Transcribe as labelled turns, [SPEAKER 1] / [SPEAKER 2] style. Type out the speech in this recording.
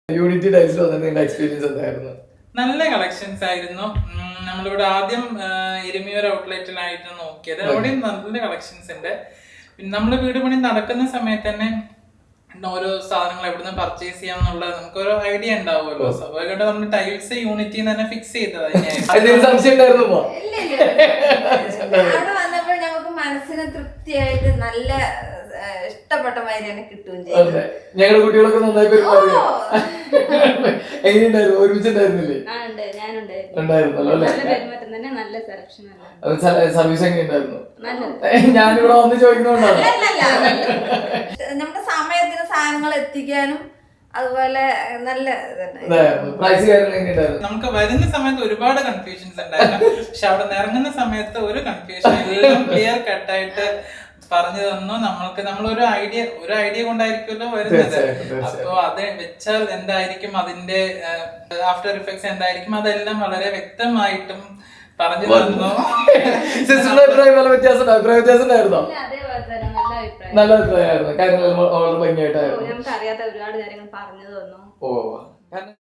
[SPEAKER 1] Unity ടൈൽസിൽ വന്നിട്ട് നിങ്ങളുടെ experience എന്തായിരുന്നു?
[SPEAKER 2] നല്ല കളക്ഷൻസ് ആയിരുന്നു. നമ്മളിവിടെ ആദ്യം എരുമിയൂർ ഔട്ട്ലെറ്റിലായിട്ട് നോക്കിയത്. അവിടെയും നല്ല കളക്ഷൻസ് ഉണ്ട്. പിന്നെ നമ്മള് വീട് പണി നടക്കുന്ന സമയത്ത് തന്നെ ഓരോ സാധനങ്ങൾ എവിടുന്ന് പർച്ചേസ് ചെയ്യാം എന്നുള്ളത് നമുക്കൊരു ഐഡിയ ഉണ്ടാവുമല്ലോ. സ്വാഭാവികമായിട്ട് നമ്മൾ ടൈൽസ് യൂണിറ്റിൽ തന്നെ ഫിക്സ് ചെയ്തത്.
[SPEAKER 1] സംശയം ഉണ്ടായിരുന്നു?
[SPEAKER 3] അവിടെ വന്നപ്പോൾ നമുക്ക് മനസ്സിന് തൃപ്തിയായിട്ട് നല്ല ഇഷ്ടപ്പെട്ട മാതിരി തന്നെ കിട്ടുകയും ചെയ്യും.
[SPEAKER 1] ഞങ്ങളുടെ കുട്ടികളൊക്കെ നന്നായി എങ്ങനെയുണ്ടായിരുന്നു? ഒരുമിച്ചുണ്ടായിരുന്നില്ലേ? സർവീസ് എങ്ങനെയുണ്ടായിരുന്നു? ഞാനിവിടെ വന്ന് ചോദിക്കുന്നോണ്ടാണ്.
[SPEAKER 3] നമ്മുടെ സമയത്തിന് സാധനങ്ങൾ എത്തിക്കാനും അതുപോലെ നല്ല
[SPEAKER 2] നമുക്ക് വരുന്ന സമയത്ത് ഒരുപാട് കൺഫ്യൂഷൻസ് ഉണ്ടായിരുന്നു. പക്ഷെ അവിടെ ഇറങ്ങുന്ന സമയത്ത് ഒരു കൺഫ്യൂഷൻ എല്ലാം ക്ലിയർ കട്ടായിട്ട് പറഞ്ഞു തന്നു. നമ്മളൊരു ഐഡിയ കൊണ്ടായിരിക്കുമല്ലോ വരുന്നത്. അപ്പൊ അത് വെച്ചാൽ എന്തായിരിക്കും, അതിന്റെ ആഫ്റ്റർ ഇഫക്ട്സ് എന്തായിരിക്കും, അതെല്ലാം വളരെ വ്യക്തമായിട്ടും പറഞ്ഞു തന്നു.
[SPEAKER 1] അഭിപ്രായ വ്യത്യാസം ഉണ്ടായിരുന്നോ? നല്ല അഭിപ്രായമായിരുന്നു. കാര്യങ്ങൾ വളരെ ഭംഗിയായിട്ടായിരുന്നു.
[SPEAKER 4] നമുക്ക് അറിയാത്ത ഒരുപാട് കാര്യങ്ങൾ പറഞ്ഞു തന്നു.
[SPEAKER 1] ഓ